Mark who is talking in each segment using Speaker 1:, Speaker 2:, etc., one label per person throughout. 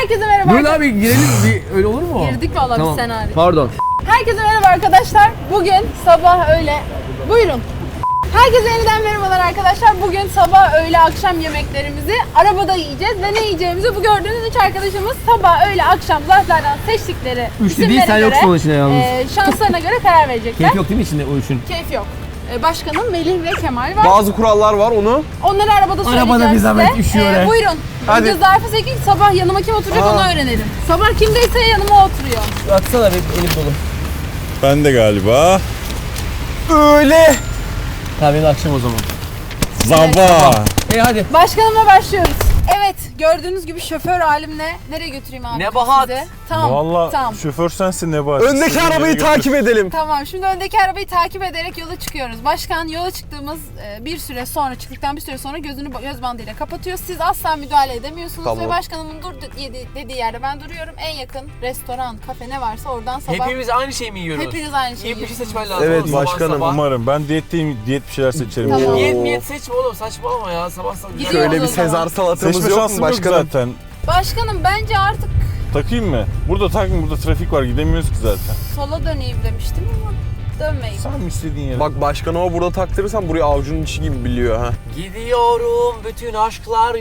Speaker 1: Herkese merhaba.
Speaker 2: Buyurun abi girelim, bir öyle olur mu?
Speaker 1: Girdik valla
Speaker 2: Tamam.
Speaker 1: bir senaryo.
Speaker 2: Pardon.
Speaker 1: Herkese merhaba arkadaşlar. Bugün sabah öğle... Buyurun. Herkese yeniden merhabalar arkadaşlar. Bugün sabah öğle akşam yemeklerimizi arabada yiyeceğiz ve ne yiyeceğimizi bu gördüğünüz üç arkadaşımız sabah öğle akşam zarflardan seçtikleri
Speaker 2: Üçlü değil,
Speaker 1: isimlere
Speaker 2: sen
Speaker 1: göre,
Speaker 2: yoksun onun içinde yalnız.
Speaker 1: şanslarına göre karar verecekler.
Speaker 2: Keyif yok değil mi içinde o üçün?
Speaker 1: Keyif yok. Başkanım Melih ve Kemal var.
Speaker 3: Bazı kurallar var onu.
Speaker 1: Onları arabada söyleyeceğiz
Speaker 2: Arabada bir zahmet,
Speaker 1: size.
Speaker 2: üşüyor he.
Speaker 1: Buyurun.
Speaker 3: Hadi.
Speaker 1: Önce zarfı seçin, sabah yanıma kim oturacak onu öğrenelim. Sabah kimdeyse yanıma oturuyor.
Speaker 2: Atsana benim elim dolu.
Speaker 4: Ben de galiba.
Speaker 3: Öyle.
Speaker 2: Tamam benim akşam o zaman.
Speaker 4: Zamba.
Speaker 2: Hadi.
Speaker 1: Başkanımla başlıyoruz. Evet, gördüğünüz gibi şoför halimle nereye götüreyim abi
Speaker 2: Nebahat.
Speaker 1: sizi? Tamam,
Speaker 4: Valla
Speaker 1: tamam.
Speaker 4: şoför sensin Nebahat.
Speaker 3: Öndeki
Speaker 4: İstediğin yere
Speaker 3: arabayı
Speaker 4: götür.
Speaker 3: takip edelim.
Speaker 1: Tamam, şimdi öndeki arabayı takip ederek yola çıkıyoruz. Başkan yola çıktığımız bir süre sonra, çıktıktan bir süre sonra gözünü göz bandıyla kapatıyor. Siz asla müdahale edemiyorsunuz
Speaker 3: Tamam.
Speaker 1: ve başkanımın dur dediği yerde ben duruyorum. En yakın restoran, kafe ne varsa oradan sabah...
Speaker 2: Hepimiz aynı şeyi mi yiyoruz?
Speaker 1: Hepiniz aynı şeyi
Speaker 2: İyi bir şey
Speaker 1: yiyorsunuz.
Speaker 2: seçmen lazım.
Speaker 3: Evet,
Speaker 2: oğlum, sabah
Speaker 3: başkanım,
Speaker 2: sabah.
Speaker 4: Umarım. Ben diyetteyim. Diyet bir şeyler seçerim.
Speaker 1: Tamam.
Speaker 2: Niyet seçme oğlum, saçmalama ya sabah sabah.
Speaker 1: Gidiyoruz
Speaker 3: Şöyle
Speaker 1: o
Speaker 3: bir
Speaker 1: zaman.
Speaker 3: Sezar salatamız
Speaker 4: Seçme
Speaker 3: yok mu
Speaker 4: şansım yok
Speaker 3: başkanım?
Speaker 4: zaten.
Speaker 1: Başkanım bence artık
Speaker 4: Takayım mı? Burada takma. Burada trafik var. Gidemiyoruz ki zaten.
Speaker 1: sola döneyim demiştim ama dönmeyin.
Speaker 4: Sen mi istediğin yere?
Speaker 3: Bak başkanıma burada taktırırsan burayı avucunun içi gibi biliyor ha.
Speaker 2: Gidiyorum bütün aşklar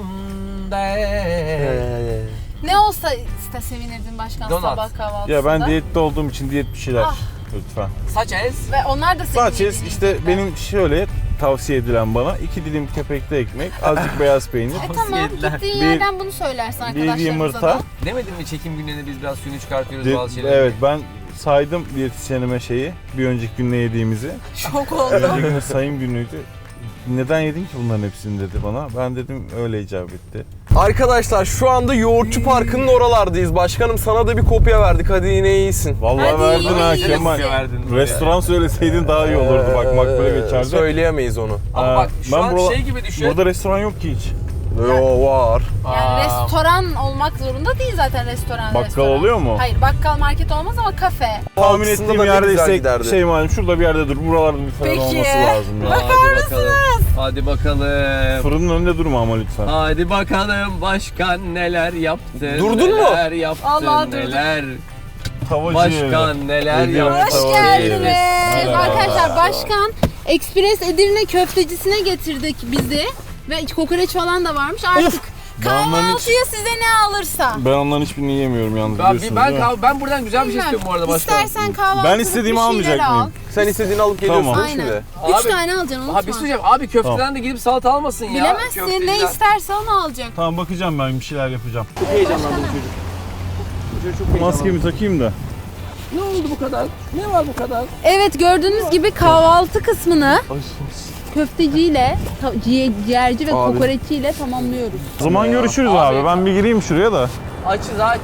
Speaker 2: yüreğimde.
Speaker 1: Ne olsa sevinirdin başkan
Speaker 2: Donat.
Speaker 1: sabah kahvaltısında.
Speaker 4: Ya ben diyette olduğum için diyet bir şeyler.
Speaker 1: Ah.
Speaker 4: Lütfen.
Speaker 2: Saç ez.
Speaker 1: Ve onlar da senin
Speaker 4: Sadece
Speaker 1: yediğin
Speaker 4: işte
Speaker 1: yiyecekler.
Speaker 4: benim şöyle tavsiye edilen bana 2 dilim kepekli ekmek, azıcık beyaz peynir,
Speaker 1: Tamam,
Speaker 2: yediler.
Speaker 1: gittiğin
Speaker 4: Bir-
Speaker 1: yerden bunu söylersin
Speaker 4: bir
Speaker 1: arkadaşlarımıza
Speaker 4: yumurta.
Speaker 1: da.
Speaker 2: Demedin mi çekim günlerinde biz biraz suyunu çıkartıyoruz bazı şeyleri?
Speaker 4: Evet, ben saydım diyetisyenime şeyi, bir önceki günde yediğimizi.
Speaker 1: Şok oldu.
Speaker 4: Önceki günün sayım günüydü. Neden yedin ki bunların hepsini dedi bana. Ben dedim öyle icap etti.
Speaker 3: Arkadaşlar şu anda Yoğurtçu Parkı'nın oralardayız. Başkanım sana da bir kopya verdik. Hadi yine iyisin.
Speaker 4: Vallahi
Speaker 1: Hadi
Speaker 4: verdin ha
Speaker 1: iyi.
Speaker 4: Kemal.
Speaker 2: Verdin.
Speaker 4: Restoran söyleseydin daha iyi olurdu. Bak makbule geçerdi.
Speaker 3: Söyleyemeyiz onu.
Speaker 2: Ama bak şu
Speaker 4: Ben
Speaker 2: an
Speaker 4: burada-
Speaker 2: şey gibi düşün.
Speaker 4: Burada restoran yok ki hiç.
Speaker 3: Yo var.
Speaker 1: Yani restoran olmak zorunda değil zaten restoran.
Speaker 4: Bakkal
Speaker 1: restoran.
Speaker 4: oluyor mu?
Speaker 1: Hayır, bakkal market olmaz ama kafe.
Speaker 4: Tahmin
Speaker 3: Altısında
Speaker 4: ettiğim
Speaker 3: da ne güzel
Speaker 4: yerdeyse
Speaker 3: giderdi.
Speaker 4: şey malum şurada bir yerde dur. Buralarda bir falan
Speaker 1: Peki.
Speaker 4: olması lazım ya.
Speaker 2: Hadi bakalım. Hadi bakalım.
Speaker 4: Fırının önünde durma ama lütfen.
Speaker 2: Hadi bakalım başkan neler yaptı.
Speaker 3: Durdun mu?
Speaker 2: Neler yaptı.
Speaker 1: Allah, durdum.
Speaker 2: neler.
Speaker 4: Tavacı.
Speaker 2: Başkan neler
Speaker 4: Ediyorum.
Speaker 2: yaptı.
Speaker 1: Hoş
Speaker 4: Hoş
Speaker 1: geldiniz.
Speaker 4: geldiniz.
Speaker 1: Arkadaşlar başkan Ekspres Edirne köftecisine getirdik bizi. Ve kokoreç falan da varmış. Artık kahvaltıya size ne alırsa.
Speaker 4: Ben onların hiçbirini yiyemiyorum yalnız
Speaker 2: Ben,
Speaker 4: biliyorsunuz değil mi?
Speaker 2: ben buradan güzel bir şey istiyorum bu arada başkan.
Speaker 1: İstersen kahvaltılık
Speaker 4: Ben istediğimi
Speaker 1: bir şeyler
Speaker 4: almayacak
Speaker 1: al.
Speaker 4: mıyım?
Speaker 3: Sen istediğini alıp geliyorsun
Speaker 4: Tamam.
Speaker 3: değil mi
Speaker 1: Aynen.
Speaker 3: şimdi?
Speaker 1: 3
Speaker 2: Abi-
Speaker 1: tane alacaksın, unutma.
Speaker 2: Abi bir şey söyleyeceğim. Abi köfteden de gidip salata almasın ya.
Speaker 1: Bilemezsin, ne
Speaker 2: Köfteciler.
Speaker 1: isterse onu alacak.
Speaker 4: Tamam bakacağım ben bir şeyler yapacağım.
Speaker 2: Çok heyecanlandı bu çocuk. Bu çocuk çok heyecanlandı.
Speaker 4: Maskemi takayım da.
Speaker 2: Ne oldu bu kadar? Ne var bu kadar?
Speaker 1: Evet, gördüğünüz gibi kahvaltı kısmını köfteciyle, ciğerci ve
Speaker 3: Abi.
Speaker 1: kokoreççiyle tamamlıyoruz.
Speaker 4: O zaman görüşürüz
Speaker 2: Abi.
Speaker 4: abi. Ben bir gireyim şuraya da.
Speaker 2: Açız aç.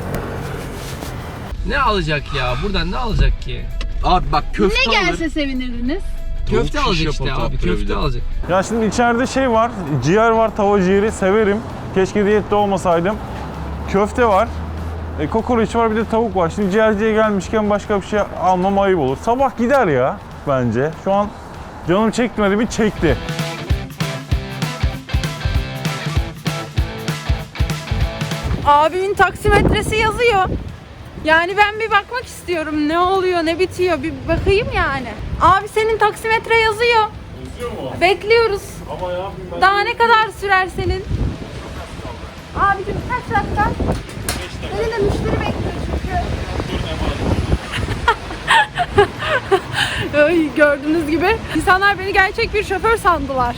Speaker 2: Ne alacak ya? Buradan ne alacak ki? Abi bak köfte
Speaker 1: Ne gelse sevinirdiniz.
Speaker 2: Köfte alacak işte abi. Köfte alacak.
Speaker 4: Ya şimdi içeride şey var. Ciğer var, tava ciğeri severim. Keşke diyette olmasaydım. Köfte var. Kokoreç var, bir de tavuk var. Şimdi ciğerciye gelmişken başka bir şey almam ayıp olur. Sabah gider ya bence. Şu an canım çekmedi mi? Çekti.
Speaker 1: Abimin taksimetresi yazıyor. Yani ben bir bakmak istiyorum. Ne oluyor, ne bitiyor bir bakayım yani. Abi senin taksimetre yazıyor.
Speaker 4: Yazıyor mu?
Speaker 1: Bekliyoruz.
Speaker 4: Ama ya ben...
Speaker 1: Daha ne kadar sürer senin? Abicim kaç dakika? Beni de müşteri bekliyor çünkü. Ay, gördüğünüz gibi insanlar beni gerçek bir şoför sandılar.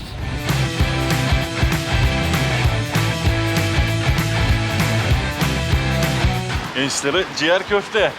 Speaker 4: Gençlere ciğer köfte.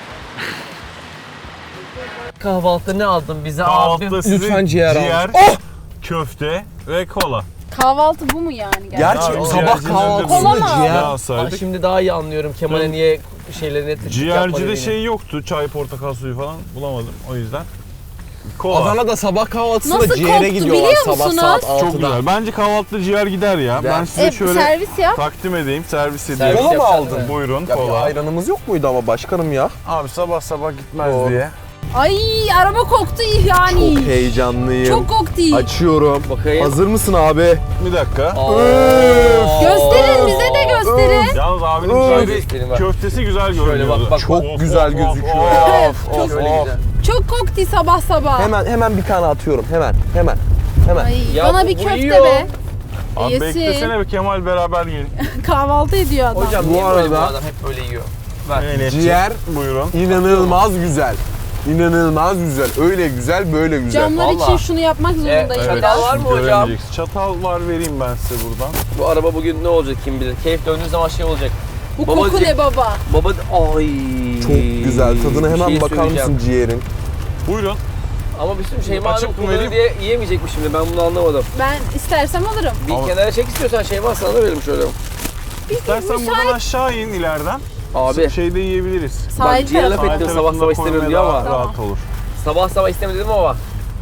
Speaker 2: Kahvaltıda ne aldın bize
Speaker 4: Kahvaltıda
Speaker 2: abi?
Speaker 4: size
Speaker 3: lütfen ciğer
Speaker 4: ciğer,
Speaker 3: al. Oh!
Speaker 4: köfte ve kola.
Speaker 1: Kahvaltı bu mu yani gerçekten?
Speaker 3: Gerçi
Speaker 4: Ya,
Speaker 3: sabah
Speaker 4: ciğercinin
Speaker 3: kahvaltısında
Speaker 1: Kola mı
Speaker 3: ciğer.
Speaker 4: Ne
Speaker 2: Aa,
Speaker 4: alsaydık?
Speaker 2: şimdi daha iyi anlıyorum Kemal'e
Speaker 4: Tamam.
Speaker 2: niye şeylerini yapmadı.
Speaker 4: Ciğercide şey yoktu. Çay, portakal suyu falan bulamadım. O yüzden. Kola.
Speaker 3: Adana'da sabah kahvaltısında
Speaker 1: Nasıl
Speaker 3: ciğere
Speaker 1: koktu
Speaker 3: gidiyorlar
Speaker 1: biliyor
Speaker 3: sabah
Speaker 1: musunuz?
Speaker 3: saat 6'da.
Speaker 4: Çok güzel. Bence kahvaltıda ciğer gider ya. Ben size şöyle
Speaker 1: servis yap.
Speaker 4: takdim edeyim, servis
Speaker 2: Servis
Speaker 4: edeyim.
Speaker 3: Kola mı
Speaker 2: yapacaksın
Speaker 3: aldın?
Speaker 2: değil mi?
Speaker 4: Buyurun
Speaker 3: Ya bir
Speaker 4: kola.
Speaker 3: ayranımız yok muydu ama başkanım ya?
Speaker 4: Abi sabah sabah gitmez
Speaker 3: Doğru.
Speaker 4: diye.
Speaker 1: Ay, araba koktu yani.
Speaker 3: Çok heyecanlıyım.
Speaker 1: Çok koktu.
Speaker 3: Açıyorum.
Speaker 2: Bakayım.
Speaker 3: Hazır mısın abi?
Speaker 4: Bir dakika.
Speaker 1: Gösterin, bize de gösterin.
Speaker 4: Yalnız abinin
Speaker 3: Öf.
Speaker 4: şöyle köftesi güzel görünüyor.
Speaker 2: bak, bak.
Speaker 3: Çok güzel gözüküyor ya. Of, of,
Speaker 2: Şöyle
Speaker 3: of.
Speaker 2: güzel.
Speaker 1: Çok kokti sabah sabah.
Speaker 3: Hemen bir tane atıyorum. Hemen.
Speaker 1: Ay,
Speaker 2: Ya
Speaker 1: bana
Speaker 2: bu
Speaker 1: bir köfte
Speaker 2: yiyor.
Speaker 1: be.
Speaker 4: Abi
Speaker 1: Yesin.
Speaker 4: beklesene bir Kemal beraber yiyin.
Speaker 1: Kahvaltı ediyor adam.
Speaker 2: Hocam
Speaker 3: Bu
Speaker 2: niye böyle bu
Speaker 3: arada-
Speaker 2: adam hep böyle yiyor? Ver.
Speaker 3: Ciğer
Speaker 4: Buyurun.
Speaker 3: inanılmaz güzel. İnanılmaz güzel. Öyle güzel, böyle güzel.
Speaker 1: Camlar için
Speaker 2: Vallahi.
Speaker 1: şunu yapmak zorundayım
Speaker 2: Evet.
Speaker 1: biraz.
Speaker 2: Var mı
Speaker 4: siz
Speaker 2: hocam?
Speaker 4: göremeyeceksiniz. Çatal var, vereyim ben size buradan.
Speaker 2: Bu araba bugün ne olacak kim bilir. Keyif döndüğü zaman şey olacak.
Speaker 1: Bu
Speaker 2: Baba
Speaker 1: koku
Speaker 2: diyecek-
Speaker 1: ne baba?
Speaker 2: Baba ay.
Speaker 3: Çok güzel. Tadına
Speaker 2: Bir
Speaker 3: hemen
Speaker 2: şey
Speaker 3: bakar
Speaker 2: söyleyeceğim.
Speaker 3: mısın ciğerin?
Speaker 4: Buyurun.
Speaker 2: Ama bir sürü Şeyma Hanım
Speaker 4: Açık mı
Speaker 2: kullanır
Speaker 4: vereyim?
Speaker 2: diye yiyemeyecek mi şimdi? Ben bunu anlamadım.
Speaker 1: Ben istersem alırım.
Speaker 2: Bir
Speaker 4: Ama-
Speaker 2: kenara çek istiyorsan Şeyma sana da verelim şöyle.
Speaker 4: İstersen buradan aşağı in ileriden.
Speaker 2: Abi.
Speaker 4: Şeyde yiyebiliriz.
Speaker 1: Sahil
Speaker 2: ciğer
Speaker 1: tarafı.
Speaker 2: laf ettim, sabah
Speaker 4: tarafında
Speaker 2: sabah istemiyorum
Speaker 4: koymaya
Speaker 2: diyor
Speaker 4: daha
Speaker 2: ama.
Speaker 4: rahat olur.
Speaker 2: Sabah istemedim ama.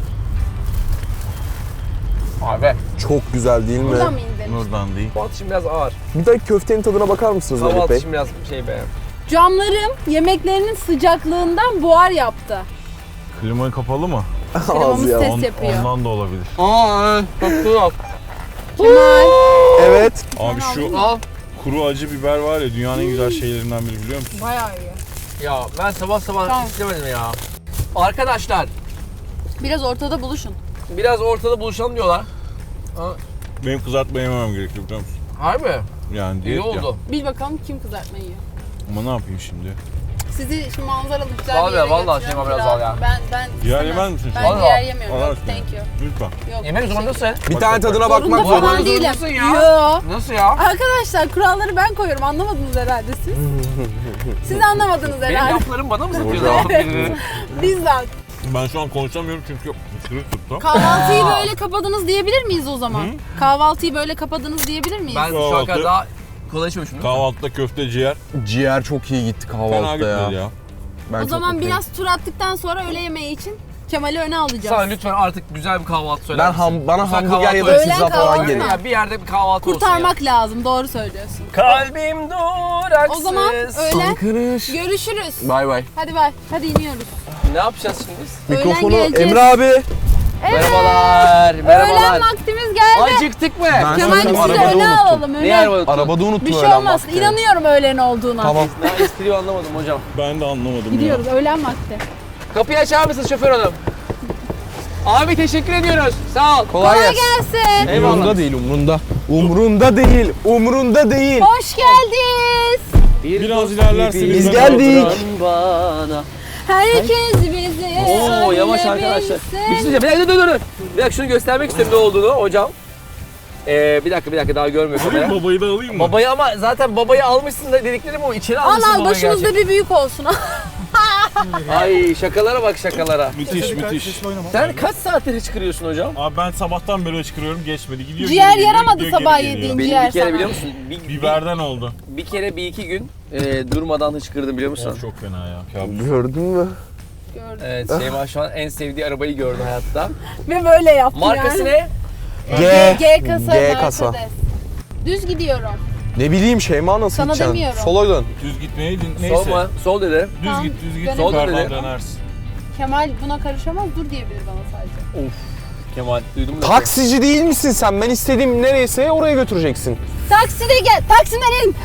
Speaker 2: Abi.
Speaker 3: Çok güzel değil mi?
Speaker 1: Buradan mı indin?
Speaker 4: Buradan değil.
Speaker 2: Kahvaltı için biraz ağır.
Speaker 3: Bir de köftenin tadına bakar mısınız Melih
Speaker 2: Kahvaltı
Speaker 3: Bey?
Speaker 2: için biraz şey be.
Speaker 1: Camlarım yemeklerinin sıcaklığından buhar yaptı.
Speaker 4: Klimayı kapalı mı?
Speaker 1: Klimamız
Speaker 3: ya.
Speaker 1: ses yapıyor.
Speaker 4: Ondan da olabilir.
Speaker 2: Çok yok.
Speaker 1: Kemal.
Speaker 3: Evet.
Speaker 4: Abi şu
Speaker 2: Al.
Speaker 4: kuru acı biber var ya dünyanın en güzel şeylerinden biri biliyor musun?
Speaker 1: Bayağı iyi.
Speaker 2: Ya ben sabah
Speaker 1: Tamam.
Speaker 2: istemedim ya. Arkadaşlar
Speaker 1: Biraz ortada buluşun.
Speaker 2: biraz ortada buluşalım diyorlar.
Speaker 4: Benim kızartma yememem gerekiyor biliyor musun?
Speaker 2: Harbi.
Speaker 4: Yani
Speaker 2: İyi
Speaker 4: diyet ya.
Speaker 2: oldu.
Speaker 1: Bil bakalım kim kızartma yiyor.
Speaker 4: Ama ne yapayım şimdi?
Speaker 1: Sizi şu manzaralı güzel
Speaker 2: Al
Speaker 1: bir
Speaker 2: ya,
Speaker 1: yere
Speaker 2: vallahi
Speaker 1: götürüyorum.
Speaker 2: Şeyma biraz al ya.
Speaker 1: Ben
Speaker 4: Ciğer
Speaker 1: istemem.
Speaker 4: yemez misin?
Speaker 1: Ben
Speaker 2: Vallahi.
Speaker 1: ciğer yemiyorum.
Speaker 4: Allah
Speaker 1: Yok,
Speaker 4: aşkına.
Speaker 1: thank you.
Speaker 4: Lütfen.
Speaker 1: Yok,
Speaker 2: Yemek zorundasın.
Speaker 3: Bir tane tadına bakmak
Speaker 1: Zorunda
Speaker 3: zorunda.
Speaker 1: falan değilim.
Speaker 2: zorundasın ya.
Speaker 1: Yo.
Speaker 2: Nasıl ya?
Speaker 1: Arkadaşlar kuralları ben koyuyorum. Anlamadınız herhalde siz. Siz anlamadınız
Speaker 2: Benim
Speaker 1: herhalde.
Speaker 2: laflarım bana mı satıyorsun?
Speaker 1: Bizzat.
Speaker 4: Ben şu an konuşamıyorum çünkü ısırık tuttu.
Speaker 1: Kahvaltıyı böyle kapadınız diyebilir miyiz o zaman? Kahvaltıyı böyle kapadınız diyebilir miyiz?
Speaker 2: Ben şu ana kadar daha kolay içmemişim.
Speaker 4: Kahvaltıda köfte ciğer.
Speaker 3: Ciğer çok iyi gitti
Speaker 4: Fena
Speaker 3: kahvaltıda ya.
Speaker 4: gitmedi ya.
Speaker 3: Ben
Speaker 1: O
Speaker 3: çok
Speaker 1: zaman
Speaker 3: mutluyum.
Speaker 1: biraz tur attıktan sonra öğle yemeği için Kemal'i öne alacağız.
Speaker 2: Sana lütfen artık güzel bir kahvaltı söyler misin?
Speaker 3: Bana
Speaker 2: Güzel
Speaker 3: hamburger
Speaker 2: kahvaltı
Speaker 3: ya da
Speaker 1: Öğlen
Speaker 3: pizza falan
Speaker 1: kahvaltı
Speaker 3: gelin.
Speaker 1: mı?
Speaker 2: Ya bir yerde bir kahvaltı olsun
Speaker 1: Kurtarmak lazım. Doğru söylüyorsun.
Speaker 2: ya. Kalbim duraksız.
Speaker 1: O zaman öğlen
Speaker 3: Arkadaş.
Speaker 1: görüşürüz.
Speaker 3: Bay bay.
Speaker 1: Hadi bay. Hadi iniyoruz.
Speaker 2: Ne yapacağız şimdi biz?
Speaker 1: Öğlen
Speaker 3: Mikrofonu
Speaker 1: geleceğiz.
Speaker 3: Emre abi.
Speaker 1: Evet.
Speaker 2: Merhabalar. Merhabalar.
Speaker 1: Öğlen vaktimiz geldi.
Speaker 2: Acıktık mı?
Speaker 3: Ben
Speaker 1: Kemal
Speaker 3: Sanırım
Speaker 1: sizi
Speaker 3: arabada
Speaker 1: öne
Speaker 3: unuttum.
Speaker 1: alalım. Öne.
Speaker 2: Niye arabada?
Speaker 3: Arabada unuttum
Speaker 1: Bir şey
Speaker 3: öğlen
Speaker 1: olmaz.
Speaker 3: vakti.
Speaker 1: İnanıyorum öğlen olduğuna.
Speaker 3: Tamam.
Speaker 2: Ben espriyi anlamadım hocam.
Speaker 4: Ben de anlamadım
Speaker 1: Gidiyoruz öğlen vakti.
Speaker 2: Kapıyı açar mısınız şoför hanım? Abi teşekkür ediyoruz. Sağ ol.
Speaker 3: Kolay
Speaker 1: Kolay
Speaker 3: gelsin.
Speaker 1: gelsin.
Speaker 2: Eyvallah.
Speaker 3: Umrunda değil, umrunda. Umrunda değil, umrunda değil.
Speaker 1: Hoş geldiniz.
Speaker 4: Biraz ilerlerseniz
Speaker 3: Biz
Speaker 4: ben
Speaker 3: geldik.
Speaker 2: Bana.
Speaker 1: Herkes bizi
Speaker 2: Oo yavaş arkadaşlar. Bir şey söyleyeceğim. Bir dakika dur. Bir dakika şunu göstermek istiyorum ne olduğunu hocam. Bir dakika daha görmüyor kamera.
Speaker 4: Alayım babayı da alayım mı?
Speaker 2: Babayı ama zaten babayı almışsın da dediklerim o içeri
Speaker 1: Al
Speaker 2: almışsın
Speaker 1: al
Speaker 2: babayı
Speaker 1: başımızda
Speaker 2: gerçekten.
Speaker 1: bir büyük olsun.
Speaker 2: Ay şakalara bak şakalara.
Speaker 4: Müthiş.
Speaker 2: Sen kaç saattir hiç kırıyorsun hocam?
Speaker 4: Abi ben sabahtan beri çıkırıyorum geçmedi. Gidiyor
Speaker 1: Ciğer
Speaker 4: geri geliyor,
Speaker 1: yaramadı
Speaker 4: gidiyor,
Speaker 1: sabah
Speaker 4: geri geliyor.
Speaker 1: yediğin.
Speaker 2: Benim
Speaker 1: Ciğer
Speaker 2: bir kere
Speaker 1: sana.
Speaker 2: biliyor musun?
Speaker 4: Biberden oldu.
Speaker 2: Bir kere bir iki gün durmadan hıçkırdım biliyor musun?
Speaker 4: Of, çok fena ya. Kabus.
Speaker 3: Gördün mü?
Speaker 1: Gördüm.
Speaker 2: Evet Şeyma şu an en sevdiği arabayı gördü hayatta.
Speaker 1: Ve böyle yaptı
Speaker 2: Markası
Speaker 1: yani.
Speaker 2: ne?
Speaker 1: G kasa.
Speaker 3: G kasa.
Speaker 1: Mercedes. Düz gidiyorum.
Speaker 3: Ne bileyim Şeyma nasıl
Speaker 1: Sana
Speaker 3: gideceksin?
Speaker 1: demiyorum.
Speaker 3: Sola dön.
Speaker 4: Düz gitmeye neyse.
Speaker 2: Sol mu? Sol dedi.
Speaker 4: Düz
Speaker 1: Tamam.
Speaker 4: git, düz git.
Speaker 1: Dönelim.
Speaker 2: Sol
Speaker 4: Yukarıdan
Speaker 2: dedi.
Speaker 4: dönersin.
Speaker 1: Kemal buna karışamaz dur diyebilir bana sadece.
Speaker 2: Kemal duydun mu?
Speaker 3: Taksici değil misin sen? Ben istediğim nereyse oraya götüreceksin.
Speaker 1: Takside gel. Taksiden in.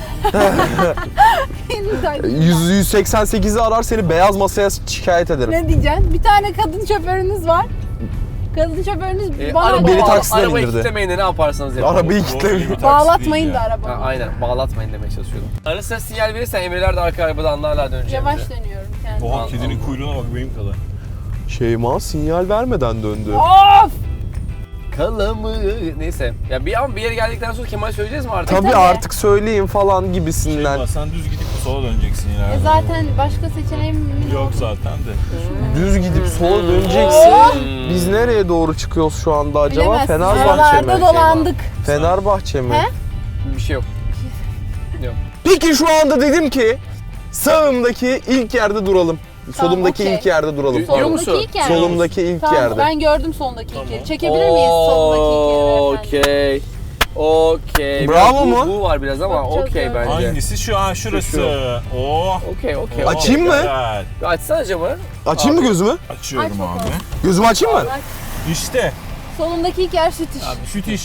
Speaker 1: İn.
Speaker 3: 188'i arar seni beyaz masaya şikayet ederim.
Speaker 1: Ne diyeceksin? Bir tane kadın şoförünüz var. Kadın şoförünüz bana
Speaker 3: Beni taksiden
Speaker 2: arabayı
Speaker 3: indirdi.
Speaker 2: kitlemeyin de ne yaparsanız yapın.
Speaker 3: Arabayı
Speaker 4: O iyi bir
Speaker 3: kilitlemiş.
Speaker 4: taksi
Speaker 1: bağlatmayın
Speaker 4: değil
Speaker 1: da
Speaker 4: ya.
Speaker 2: Ha,
Speaker 1: arabamı.
Speaker 2: aynen bağlatmayın demeye çalışıyordum. Ara sıra sinyal verirsen Emreler de arka arabada anlarlar döneceğimizi.
Speaker 1: Yavaş dönüyorum kendime.
Speaker 4: Oha kedinin kuyruğuna bak benim kadar.
Speaker 3: Şeyma sinyal vermeden döndü.
Speaker 1: Of!
Speaker 2: Kalamı. Neyse. Ya bir yere geldikten sonra Kemal söyleyeceğiz mi artık?
Speaker 3: Tabii
Speaker 1: tabii.
Speaker 3: artık söyleyin falan gibisinden.
Speaker 4: Şeyma sen düz gidip sola döneceksin ileride.
Speaker 1: Zaten başka seçeneğim
Speaker 4: Yok zaten de.
Speaker 3: Düz gidip sola döneceksin.
Speaker 2: Hmm.
Speaker 3: Biz nereye doğru çıkıyoruz şu anda acaba?
Speaker 1: Bilemezsin.
Speaker 3: Fenerbahçe
Speaker 1: Aralarda
Speaker 3: mi?
Speaker 1: dolandık.
Speaker 3: Fenerbahçe mi?
Speaker 1: He?
Speaker 2: Bir şey yok.
Speaker 3: Peki şu anda dedim ki sağımdaki ilk yerde duralım.
Speaker 1: Tamam,
Speaker 3: Solumdaki
Speaker 1: okey.
Speaker 3: ilk yerde duralım.
Speaker 2: Diyor
Speaker 3: Pardon.
Speaker 2: musun?
Speaker 1: Solundaki ilk yer.
Speaker 3: Solumdaki ilk
Speaker 1: Tamam,
Speaker 3: yerde.
Speaker 1: ben gördüm sondaki ilk
Speaker 4: Tamam.
Speaker 1: yeri. Çekebilir miyiz sondaki ilk yeri efendim?
Speaker 2: Okey.
Speaker 3: Bravo
Speaker 2: Biraz
Speaker 3: mu?
Speaker 2: Bu var biraz ama
Speaker 1: Bakacağız
Speaker 2: okey
Speaker 1: ya.
Speaker 2: bence.
Speaker 4: Hangisi şu an şurası?
Speaker 2: Şu.
Speaker 4: Oh.
Speaker 2: Okey.
Speaker 3: Açayım mı?
Speaker 4: Güzel.
Speaker 2: Açsana camı.
Speaker 3: Açayım mı gözümü?
Speaker 4: Açıyorum
Speaker 1: Aç bakalım.
Speaker 4: abi.
Speaker 3: Gözümü açayım mı?
Speaker 4: İşte.
Speaker 1: Solundaki ilk yer süt iş.
Speaker 2: Abi süt iş.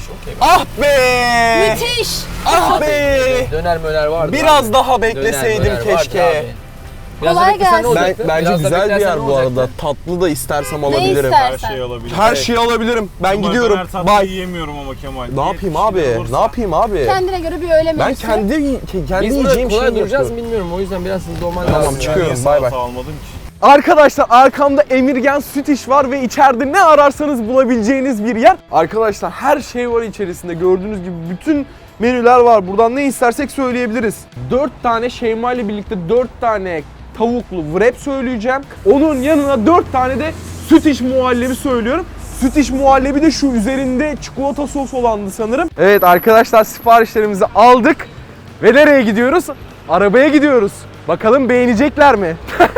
Speaker 2: okey.
Speaker 3: Ah be!
Speaker 1: Müthiş.
Speaker 3: Ah be!
Speaker 2: Döner möner vardı.
Speaker 3: Biraz
Speaker 2: abi.
Speaker 3: daha
Speaker 2: Döner
Speaker 3: bekleseydim
Speaker 2: möner vardı
Speaker 3: keşke.
Speaker 2: abi. Biraz da
Speaker 1: Kolay
Speaker 2: beklesen ne
Speaker 1: gelsin.
Speaker 2: olacaktı?
Speaker 3: Bence
Speaker 2: Biraz da
Speaker 3: güzel bir
Speaker 2: beklersen
Speaker 3: yer
Speaker 2: ne
Speaker 3: bu arada.
Speaker 2: olacaktı?
Speaker 3: Tatlı da istersem
Speaker 1: Ne
Speaker 3: alabilirim.
Speaker 4: Her
Speaker 1: istersen.
Speaker 4: şeyi alabilirim.
Speaker 3: Her şeyi alabilirim. Ben
Speaker 4: Ama
Speaker 3: gidiyorum.
Speaker 4: döner tatlı
Speaker 3: Bye.
Speaker 4: yiyemiyorum ama Kemal.
Speaker 3: Ne yapayım abi?
Speaker 4: Olursa.
Speaker 3: Ne yapayım abi?
Speaker 1: Kendine göre bir öğle
Speaker 3: Ben
Speaker 1: menüsü.
Speaker 3: kendi
Speaker 2: Biz
Speaker 3: yiyeceğim
Speaker 2: burada
Speaker 3: şeyi
Speaker 2: kolay duracağız
Speaker 3: yapıyorum.
Speaker 2: bilmiyorum. O yüzden biraz hızlı olman
Speaker 3: Tamam,
Speaker 2: lazım.
Speaker 4: Ben
Speaker 3: çıkıyorum.
Speaker 4: niye
Speaker 3: Bay bay.
Speaker 4: salata almadım ki?
Speaker 3: Arkadaşlar arkamda Emirgen Süt İş var ve içeride ne ararsanız bulabileceğiniz bir yer. Arkadaşlar her şey var içerisinde. Gördüğünüz gibi bütün menüler var. Buradan ne istersek söyleyebiliriz. 4 tane Şeyma ile birlikte 4 tane tavuklu wrap söyleyeceğim. Onun yanına 4 tane de süt iş muhallebi söylüyorum. Süt iş muhallebi de şu üzerinde çikolata sos olandı sanırım. Evet arkadaşlar siparişlerimizi aldık. Ve nereye gidiyoruz? Arabaya gidiyoruz. Bakalım beğenecekler mi?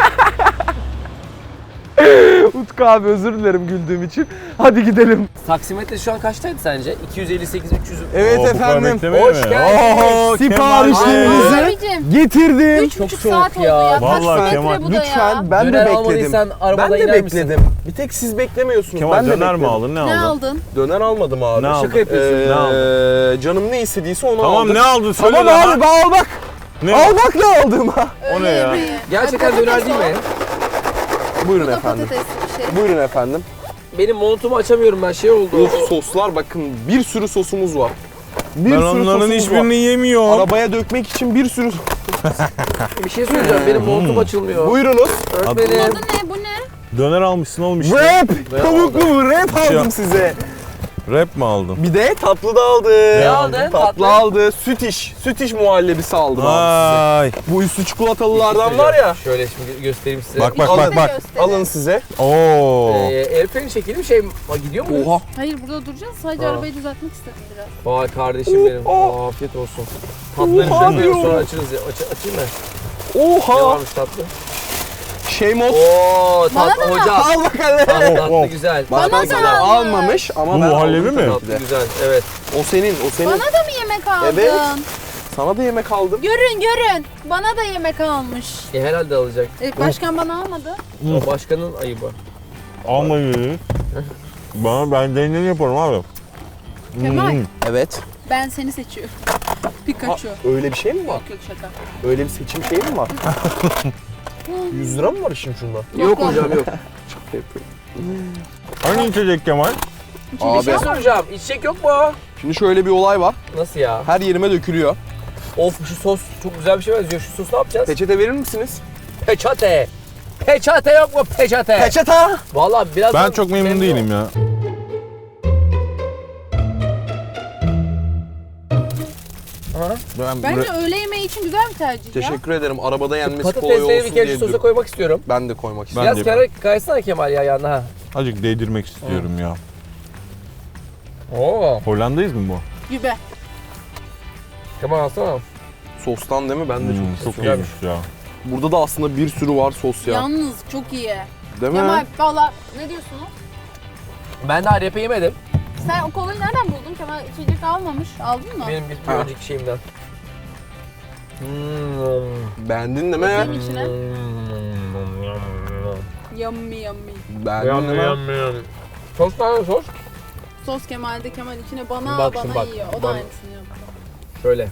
Speaker 3: Utku abi özür dilerim güldüğüm için. Hadi gidelim.
Speaker 2: Taksimetre şu an kaçtaydı sence? 258, 300.
Speaker 3: Evet
Speaker 4: Oo, bu kadar
Speaker 3: efendim.
Speaker 4: beklemeye
Speaker 2: Hoş
Speaker 4: mi?
Speaker 2: geldiniz.
Speaker 4: Oo,
Speaker 3: Siparişlerinizi
Speaker 1: Abicim.
Speaker 3: getirdim.
Speaker 1: 3,5
Speaker 2: soğuk
Speaker 1: saat oldu
Speaker 2: ya.
Speaker 1: ya.
Speaker 4: Vallahi
Speaker 1: Taksimetre
Speaker 4: Kemal,
Speaker 1: bu da ya.
Speaker 3: Lütfen ben
Speaker 2: Döner
Speaker 3: de bekledim.
Speaker 2: almadıysan arabadan
Speaker 3: Ben de
Speaker 2: iner misin?
Speaker 3: bekledim. Bir tek siz beklemiyorsunuz.
Speaker 4: Kemal
Speaker 3: ben de
Speaker 4: döner mi
Speaker 3: bekledim.
Speaker 4: aldın? Ne
Speaker 1: Ne
Speaker 4: aldın?
Speaker 1: aldın?
Speaker 3: Döner almadım abi.
Speaker 4: Ne aldın?
Speaker 2: Şaka yapıyorsun.
Speaker 4: Ne aldın?
Speaker 3: Canım ne istediyse onu
Speaker 4: Tamam
Speaker 3: aldım.
Speaker 4: ne aldın? Söyle
Speaker 3: Tamam
Speaker 4: lan.
Speaker 3: abi ben al bak.
Speaker 4: Ne?
Speaker 3: Al bak ne aldım ha.
Speaker 4: O ne ya?
Speaker 1: yemeği.
Speaker 2: Gerçekten
Speaker 1: Ay,
Speaker 2: döner
Speaker 1: patates
Speaker 2: değil mi?
Speaker 1: o.
Speaker 3: Buyurun
Speaker 1: Bu da
Speaker 3: efendim.
Speaker 1: patatesli bir şey.
Speaker 3: Buyurun efendim.
Speaker 2: Benim montumu açamıyorum ben şey oldu.
Speaker 3: Of soslar bakın bir sürü sosumuz var. Bir
Speaker 4: Ben
Speaker 3: sürü
Speaker 4: onların
Speaker 3: sosumuz
Speaker 4: hiçbirini
Speaker 3: var.
Speaker 4: yemiyorum.
Speaker 3: Arabaya dökmek için bir sürü...
Speaker 2: Bir şey söyleyeceğim. Benim montum açılmıyor.
Speaker 3: Buyurunuz.
Speaker 2: Öğretmenim.
Speaker 1: Adı ne? Bu ne?
Speaker 4: Döner almışsın oğlum işte.
Speaker 3: Wrap! Tavuklu wrap aldım
Speaker 4: Şey-
Speaker 3: size.
Speaker 4: Rap mi aldın?
Speaker 3: Bir de tatlı da aldım.
Speaker 2: Ne aldın?
Speaker 3: Tatlı
Speaker 2: Tatlı.
Speaker 3: aldı. Süt iş muhallebisi aldım abi
Speaker 4: Ay.
Speaker 3: size. Bu üstü çikolatalılardan var ya.
Speaker 2: Şöyle şimdi göstereyim size.
Speaker 4: Bak bak
Speaker 3: Alın.
Speaker 4: bak bak.
Speaker 1: Gösterin.
Speaker 3: Alın size.
Speaker 4: Oo.
Speaker 2: El freni çekelim şey gidiyor mu?
Speaker 3: Oha.
Speaker 1: Hayır burada duracağız. Sadece
Speaker 2: Ha.
Speaker 1: arabayı düzeltmek istedim biraz.
Speaker 2: Vay kardeşim benim.
Speaker 3: Oha.
Speaker 2: Afiyet olsun. Tatlıları
Speaker 3: Oha
Speaker 2: üzerine sonra
Speaker 3: diyorum.
Speaker 2: açırız ya. Açayım mı? Ne
Speaker 3: Oha.
Speaker 2: varmış tatlı?
Speaker 3: Şey mod.
Speaker 2: Oo
Speaker 1: Bana
Speaker 2: tatlı
Speaker 1: da mı?
Speaker 2: hocam.
Speaker 3: Al bakalım.
Speaker 2: Tatlı
Speaker 4: Oh.
Speaker 2: güzel.
Speaker 1: Bana
Speaker 3: Bana
Speaker 1: da
Speaker 3: da
Speaker 1: almış.
Speaker 3: almamış ama
Speaker 4: Bu
Speaker 3: ben
Speaker 4: muhallebi
Speaker 3: aldım
Speaker 4: mi?
Speaker 3: tabii
Speaker 2: Tatlı
Speaker 3: ki de.
Speaker 2: güzel. Evet.
Speaker 3: O senin, o senin.
Speaker 1: Bana da mı yemek aldın?
Speaker 3: Evet. Sana da yemek aldım.
Speaker 1: Görün. Bana da yemek almış.
Speaker 2: Herhalde alacak.
Speaker 1: Başkan bana almadı.
Speaker 2: O başkanın ayıbı.
Speaker 4: Almayı. Ben deneyim yaparım abi.
Speaker 1: Kemal
Speaker 3: Evet.
Speaker 1: ben seni seçiyorum. Pikachu.
Speaker 3: Öyle bir şey mi var?
Speaker 1: Yok şaka.
Speaker 3: Öyle bir seçim şeyi mi var? 100 lira mı var işin şunda?
Speaker 2: Yok hocam yok.
Speaker 4: Hangi içecek Kemal?
Speaker 2: Bir
Speaker 3: Abi
Speaker 2: şey soracağım. İçecek yok mu?
Speaker 3: şimdi şöyle bir olay var.
Speaker 2: Nasıl ya?
Speaker 3: Her yerime dökülüyor.
Speaker 2: Of şu sos çok güzel bir şey benziyor. Şu sosu ne yapacağız?
Speaker 3: Peçete verir misiniz?
Speaker 2: Peçete. Peçete yok mu peçete?
Speaker 3: Peçete.
Speaker 2: Vallahi biraz
Speaker 4: Ben çok memnun değilim ya.
Speaker 1: Bence öğle yemeği için güzel bir tercih ya.
Speaker 3: Teşekkür ederim. Arabada yenmesi kolay
Speaker 2: Patatesleri
Speaker 3: olsun
Speaker 2: bir kere
Speaker 3: diye
Speaker 2: şu sosa
Speaker 3: diyorum.
Speaker 2: koymak istiyorum.
Speaker 3: Ben de koymak
Speaker 4: Ben
Speaker 3: istiyorum.
Speaker 2: Biraz
Speaker 4: de
Speaker 2: kere kaysana Kemal ya yanına ha.
Speaker 4: Azıcık değdirmek istiyorum ya.
Speaker 2: Oo.
Speaker 4: Hollanda'yız mı bu?
Speaker 1: Gibi.
Speaker 2: Kemal alsana.
Speaker 3: Sostan değil mi? Ben de çok
Speaker 4: Çok
Speaker 3: istiyorum.
Speaker 4: iyiymiş ya.
Speaker 3: Burada da aslında bir sürü var sos ya.
Speaker 1: Yalnız çok iyi.
Speaker 3: Değil mi?
Speaker 1: Kemal valla ne diyorsunuz?
Speaker 2: Ben daha repe yemedim.
Speaker 1: Sen o kolayı nereden buldun? Kemal içecek almamış. Aldın mı?
Speaker 2: Benim bir
Speaker 3: Ha.
Speaker 2: önceki şeyimden.
Speaker 3: Beğendin değil mi?
Speaker 1: Bakayım içine. Yummy.
Speaker 3: Beğendin değil mi?
Speaker 2: Sos tane sos.
Speaker 1: Sos Kemal'de Kemal içine bana
Speaker 2: Bak
Speaker 1: bana
Speaker 2: şimdi bak.
Speaker 1: yiyor. O da
Speaker 2: Bana.
Speaker 1: aynısını yaptı.
Speaker 2: Şöyle.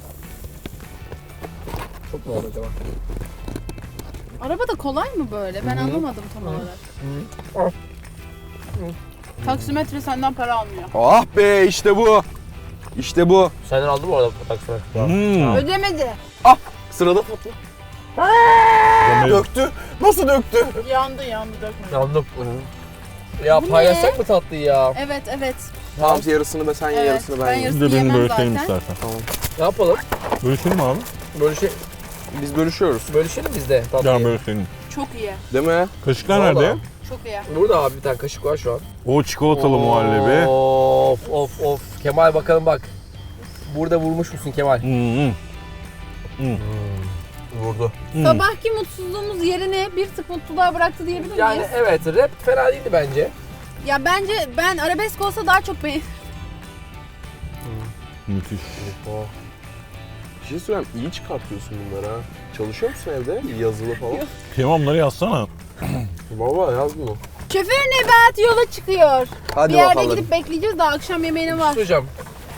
Speaker 2: Çok mu oldu acaba?
Speaker 1: Arabada kolay mı böyle? Ben anlamadım tam olarak. Taksimetre senden para almıyor.
Speaker 3: Ah be işte bu. İşte bu.
Speaker 2: Senden aldım mı orada taksana?
Speaker 1: Ödemedi.
Speaker 3: Sırada tatlı.
Speaker 4: Demek-
Speaker 3: Döktü. Nasıl döktü?
Speaker 1: Yandı dökme.
Speaker 2: Yandım. Ya
Speaker 1: Bu
Speaker 2: paylaşsak
Speaker 1: ne?
Speaker 2: mı tatlıyı ya?
Speaker 1: Evet.
Speaker 3: Tamam yarısını da sen ye
Speaker 1: Evet,
Speaker 3: yarısını ben
Speaker 1: ben
Speaker 3: yiyeyim.
Speaker 1: yarısını-
Speaker 4: Bir de benim
Speaker 1: Yemem
Speaker 4: bölüşelim
Speaker 1: zaten.
Speaker 4: istersen.
Speaker 2: Ne yapalım?
Speaker 4: Bölüşelim abi.
Speaker 3: Biz bölüşüyoruz.
Speaker 2: Bölüşelim biz de
Speaker 4: Gel
Speaker 2: tatlıyı.
Speaker 4: bölüşelim.
Speaker 1: Çok iyi.
Speaker 3: Değil mi?
Speaker 4: Kaşıklar
Speaker 2: Vallahi.
Speaker 4: nerede?
Speaker 1: Çok iyi.
Speaker 2: Burada abi bir tane kaşık var şu an.
Speaker 4: O çikolatalı muhallebi.
Speaker 2: Of. Kemal bakalım bak. Burada vurmuş musun Kemal?
Speaker 3: Vurdu.
Speaker 1: Sabahki mutsuzluğumuz yerine bir tık mutluluğa bıraktı diyebilir miyiz?
Speaker 2: Yani evet rap fena değildi bence.
Speaker 1: Ya bence ben arabesk olsa daha çok beğenirim.
Speaker 4: Müthiş.
Speaker 3: Bir şey söyleyeyim iyi çıkartıyorsun bunları ha. Çalışıyor musun evde? Yazılı falan.
Speaker 4: Kemal onları yazsana.
Speaker 3: Baba yaz bunu.
Speaker 1: Şoför Nebat yola çıkıyor.
Speaker 3: Hadi
Speaker 1: bir yerde
Speaker 3: bakalım.
Speaker 1: gidip bekleyeceğiz daha akşam yemeğine var.
Speaker 2: Hocam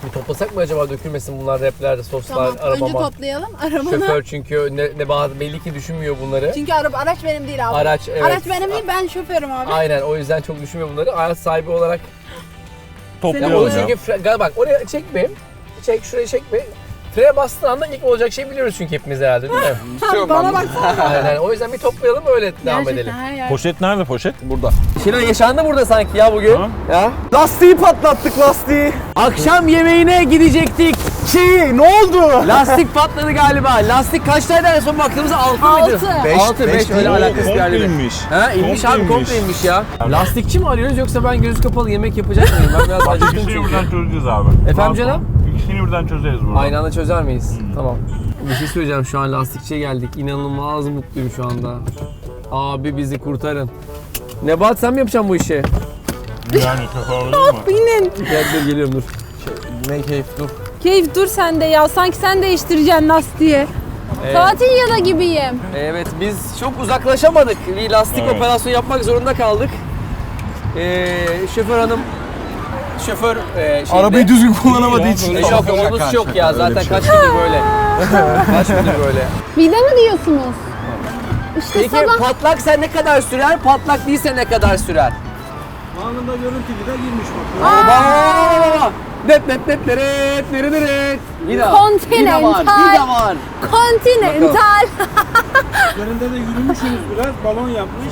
Speaker 2: Bir toplasak mı acaba, dökülmesin bunlar raplerde, soslar,
Speaker 1: Tamam, önce
Speaker 2: arabama.
Speaker 1: toplayalım arabanı.
Speaker 2: Şoför çünkü Nebahat belli ki düşünmüyor bunları.
Speaker 1: Çünkü araç benim değil abi.
Speaker 2: Araç, evet.
Speaker 1: Araç benim değil, ben şoförüm abi.
Speaker 2: Aynen, o yüzden çok düşünmüyor bunları. Araç sahibi olarak. Ya onu
Speaker 4: Topluyoruz ya.
Speaker 2: çünkü bak oraya çekme. Çek, şuraya çekme. Frene bastığın anda ilk olacak şey biliyoruz çünkü hepimiz herhalde, değil mi?
Speaker 3: İstiyorum
Speaker 1: Bana
Speaker 3: ben
Speaker 1: baksana.
Speaker 2: Aynen, o yüzden bir toplayalım, öyle devam edelim.
Speaker 1: Gerçekten her yer.
Speaker 4: Poşet nerede poşet?
Speaker 3: burada.
Speaker 2: Şeyler yaşandı burada sanki ya bugün.
Speaker 4: Ha?
Speaker 2: Ya.
Speaker 3: Lastiği patlattık, lastiği.
Speaker 2: Akşam yemeğine gidecektik.
Speaker 3: Ne oldu?
Speaker 2: Lastik patladı galiba. Lastik kaçtaydı en son baktığımızda 6 mıydı?
Speaker 1: 6.
Speaker 2: 6, 5 öyle alakası bir halde.
Speaker 4: inmiş.
Speaker 2: Ha inmiş abi, komple inmiş ya. Lastikçi mi arıyoruz yoksa ben göz kapalı yemek yapacak mıyım? Ben biraz acıktım
Speaker 4: İkisini
Speaker 2: çünkü.
Speaker 4: birden çözeceğiz abi.
Speaker 2: Efendim canım?
Speaker 4: İkisini birden çözeriz burada.
Speaker 2: Aynı anda çözer miyiz? Tamam. Bir şey söyleyeceğim, şu an lastikçiye geldik. İnanılmaz mutluyum şu anda. Abi bizi kurtarın. Nebahat, sen mi yapacaksın bu işi?
Speaker 4: Yani şoför olur mu?
Speaker 1: Binin.
Speaker 2: Gel dur, geliyorum dur.
Speaker 3: Ne keyif, dur.
Speaker 1: Keyif dur sen de ya. Sanki sen değiştireceksin lastiği. Tatil yalı gibiyim.
Speaker 2: Evet, biz çok uzaklaşamadık. Bir lastik
Speaker 4: Evet.
Speaker 2: operasyonu yapmak zorunda kaldık. Şoför hanım, şoför şeyinde...
Speaker 3: Arabayı düzgün kullanamadığı için.
Speaker 2: Yok, omuz yok ya, zaten kaç gündür böyle. Kaç gündür böyle.
Speaker 1: Vida mı diyorsunuz? İşte
Speaker 2: Peki
Speaker 1: sabah
Speaker 2: patlak sen ne kadar sürer, patlak değilse ne kadar sürer?
Speaker 5: Anında görüntülü de girmiş bak.
Speaker 2: Baba! Dep dep dep deret deret deret. Vida.
Speaker 1: Continental.
Speaker 2: Vida var.
Speaker 1: Continental.
Speaker 5: Üzerinde de yürümüşsünüz biraz, balon yapmış.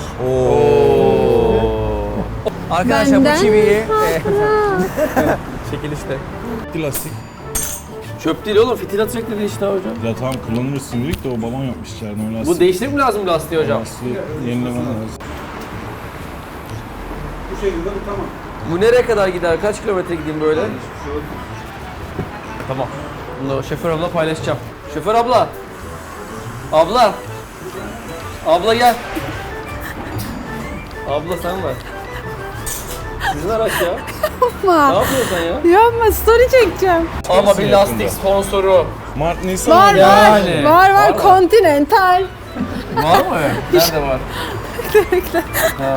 Speaker 2: Arkadaşlar bu
Speaker 1: Benden
Speaker 2: çiviyi... Çekil işte.
Speaker 4: Lastik.
Speaker 2: Çöp değil oğlum, fitil atacak dedi işte hocam.
Speaker 4: Ya tamam kullanırsın dedik de o balon yapmış içeride o lastik.
Speaker 2: Bu değiştirmek mi lazım lastiği hocam?
Speaker 4: Lastiği yenilemen lazım.
Speaker 5: Bu şekilde bu tamam.
Speaker 2: Bu nereye kadar gider? Kaç kilometre gideyim böyle? Tamam. Bunu şoför abla paylaşacağım. Şoför abla. Abla. Abla gel. Abla sen var. Sizin araç ya. Ne
Speaker 1: Yapma.
Speaker 2: yapıyorsun sen ya?
Speaker 1: Yapma, story çekeceğim.
Speaker 2: Ama bir lastik
Speaker 4: yakında.
Speaker 2: sponsoru.
Speaker 4: Mart Nisan
Speaker 1: Var
Speaker 4: ayı.
Speaker 2: Yani.
Speaker 1: var. Var
Speaker 2: mı?
Speaker 1: Continental.
Speaker 2: Var mı? Nerede var? Ha.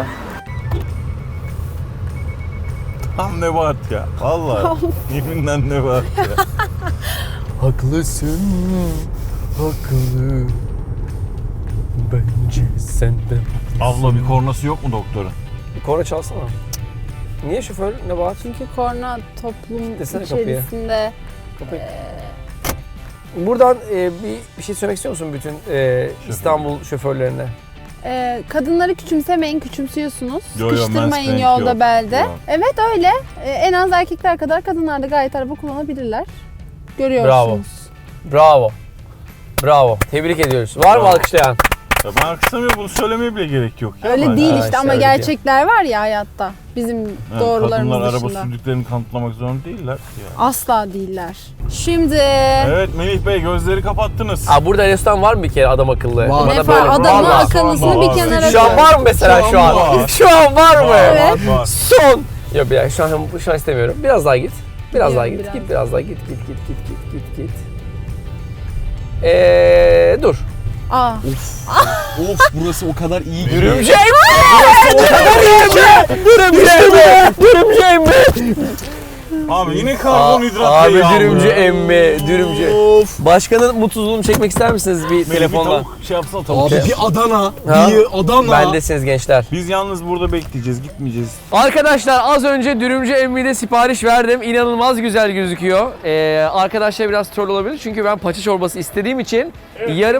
Speaker 4: Tam Nebahat ya. Vallahi. Yeminle Nebahat ya.
Speaker 2: Haklısın. Haklı. Bence senden.
Speaker 4: Abla bir kornası yok mu doktorun?
Speaker 2: Bir korna çalsana. Niye şoför? Ne var?
Speaker 1: Çünkü korna toplum
Speaker 2: Desene kapıyı.
Speaker 1: içerisinde.
Speaker 2: Buradan bir şey söylemek istiyor musun bütün İstanbul şoförlerine?
Speaker 1: Kadınları küçümsemeyin, küçümsüyorsunuz.
Speaker 4: Yo, yo,
Speaker 1: Sıkıştırmayın
Speaker 4: mansplaining
Speaker 1: yolda
Speaker 4: yok.
Speaker 1: belde.
Speaker 4: Yok.
Speaker 1: Evet öyle. En az erkekler kadar kadınlar da gayet araba kullanabilirler. Görüyorsunuz.
Speaker 2: Bravo. Bravo. Tebrik ediyoruz. Var mı
Speaker 4: Bravo.
Speaker 2: alkışlayan?
Speaker 4: Ya ben alkışlamıyorum bunu söylemeye bile gerek yok. Ya
Speaker 1: Öyle
Speaker 4: ben-
Speaker 1: değil
Speaker 2: Ha,
Speaker 1: işte
Speaker 2: işte
Speaker 1: ama
Speaker 2: öyle
Speaker 1: gerçekler var ya hayatta. Bizim
Speaker 4: Yani
Speaker 1: doğrularımız
Speaker 4: kadınlar araba
Speaker 1: dışında.
Speaker 4: sürdüklerini kanıtlamak zorunda değiller ki ya.
Speaker 1: Asla değiller. Şimdi
Speaker 4: Evet Melih Bey gözleri kapattınız.
Speaker 2: Aa, burada restoran var mı bir kere adam akıllı?
Speaker 3: Var.
Speaker 2: Bana
Speaker 1: ne
Speaker 2: böyle-
Speaker 1: var? Adamın
Speaker 2: Vallahi.
Speaker 1: akıllısını bir kenara
Speaker 2: Şu an
Speaker 1: koy.
Speaker 2: var mı mesela şu an?
Speaker 4: var.
Speaker 2: Şu an var mı?
Speaker 1: Evet.
Speaker 4: Var.
Speaker 2: Son. Yok bir dakika şu an istemiyorum. Biraz daha git. Biraz daha git.
Speaker 1: Gidiyorum
Speaker 2: Git biraz daha git. Git. Dur.
Speaker 1: Aa.
Speaker 3: Of, burası o kadar iyi ki.
Speaker 2: Dürümcey mi? Dürümcey mi?
Speaker 4: Abi yine karbonhidrat
Speaker 2: Abi
Speaker 4: değil
Speaker 2: dürümcü
Speaker 4: ya.
Speaker 2: emmi, dürümcü.
Speaker 3: Of.
Speaker 2: Başkanın mutluluğunu çekmek ister misiniz bir
Speaker 4: Melih bir
Speaker 2: telefonla?
Speaker 4: tavuk şey yapsana tavuk.
Speaker 3: Abi bir Adana,
Speaker 2: Ha?
Speaker 3: bir Adana.
Speaker 2: Bendesiniz gençler.
Speaker 4: Biz yalnız burada bekleyeceğiz, gitmeyeceğiz.
Speaker 2: Arkadaşlar az önce Dürümcü Emmi'de sipariş verdim. İnanılmaz güzel gözüküyor. Arkadaşlar biraz troll olabilir çünkü ben paça çorbası istediğim için yarım...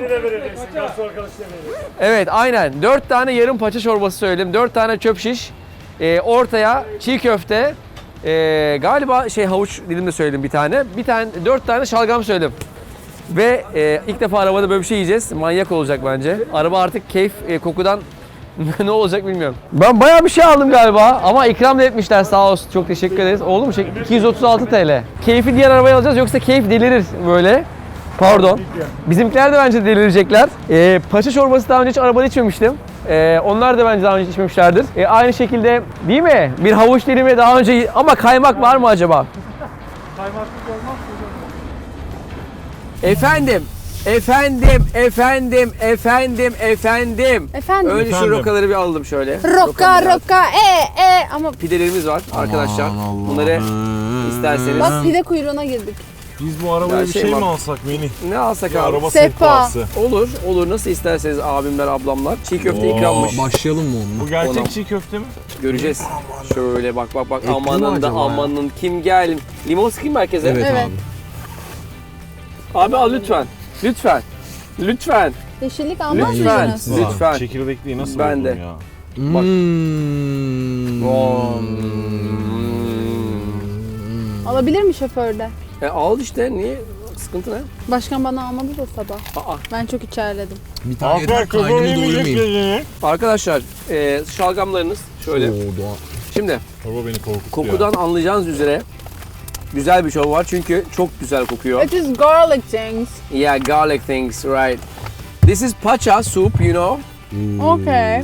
Speaker 2: Evet aynen. 4 tane yarım paça çorbası söyledim. 4 tane çöp şiş. Ortaya çiğ köfte. Galiba havuç dilimde söyledim bir tane. 4 tane şalgam söyledim. Ve ilk defa arabada böyle bir şey yiyeceğiz. Manyak olacak bence. Araba artık keyif kokudan ne olacak bilmiyorum. Ben bayağı bir şey aldım galiba ama ikram da etmişler sağ olsun. Çok teşekkür ederiz. Oldu mu? 236 TL. Keyfi diğer arabaya alacağız yoksa keyif delirir böyle. Pardon. Bizimkiler de bence delirecekler. Paça çorbası daha önce hiç arabada içmemiştim. Onlar da bence daha önce içmemişlerdir. Aynı şekilde değil mi? Bir havuç dilimi daha önce ama kaymak var mı acaba? Efendim, Efendim.
Speaker 1: Efendim.
Speaker 2: Önce şu
Speaker 4: Efendim.
Speaker 2: rokaları bir alalım şöyle.
Speaker 1: Roka ama
Speaker 2: Pidelerimiz var arkadaşlar. Bunları isterseniz.
Speaker 1: bak pide kuyruğuna girdik.
Speaker 4: Biz bu arabaya
Speaker 2: Ya
Speaker 4: bir
Speaker 2: şey
Speaker 4: şey
Speaker 2: var.
Speaker 4: mi alsak Melih?
Speaker 2: Ne alsak
Speaker 4: Bir
Speaker 2: abi?
Speaker 4: araba
Speaker 1: Sehpa.
Speaker 4: sehpası.
Speaker 2: Olur nasıl isterseniz abimler ablamlar. Çiğ köfte
Speaker 4: Oo.
Speaker 2: ikrammış.
Speaker 3: Başlayalım mı onunla?
Speaker 4: Bu gerçek
Speaker 2: Ona-
Speaker 4: çiğ köfte mi?
Speaker 2: Göreceğiz. Şöyle bak.
Speaker 3: Etli mi
Speaker 2: Amanın da
Speaker 3: acaba ya?
Speaker 2: amanın kim gel. Limon sıkayım mı herkese?
Speaker 3: Evet,
Speaker 1: Evet.
Speaker 3: abi.
Speaker 2: Abi al lütfen.
Speaker 1: Yeşillik almaz
Speaker 2: Lütfen.
Speaker 1: mısınız?
Speaker 2: Lütfen.
Speaker 4: Ulan, çekirdekliği nasıl
Speaker 2: Ben
Speaker 4: buldun
Speaker 2: de.
Speaker 4: ya?
Speaker 2: Bak.
Speaker 1: Alabilir mi şoförde?
Speaker 2: Al işte niye? Sıkıntı ne?
Speaker 1: Başkan bana almadı da sabah.
Speaker 2: Aa.
Speaker 1: Ben çok içerledim.
Speaker 3: Bir tane
Speaker 4: Aferin
Speaker 3: yeter
Speaker 4: köpeği
Speaker 3: kaynımı
Speaker 4: yemeyecek
Speaker 3: doyurmayayım.
Speaker 4: dedi.
Speaker 2: Arkadaşlar şalgamlarınız şöyle.
Speaker 3: Oo, Doğan.
Speaker 2: Şimdi
Speaker 4: Baba beni korkuttu
Speaker 2: kokudan anlayacağınız üzere güzel bir çorba var çünkü çok güzel kokuyor.
Speaker 1: It is garlic things.
Speaker 2: Yeah, garlic things, right. This is pacha soup, you know.
Speaker 1: Okay.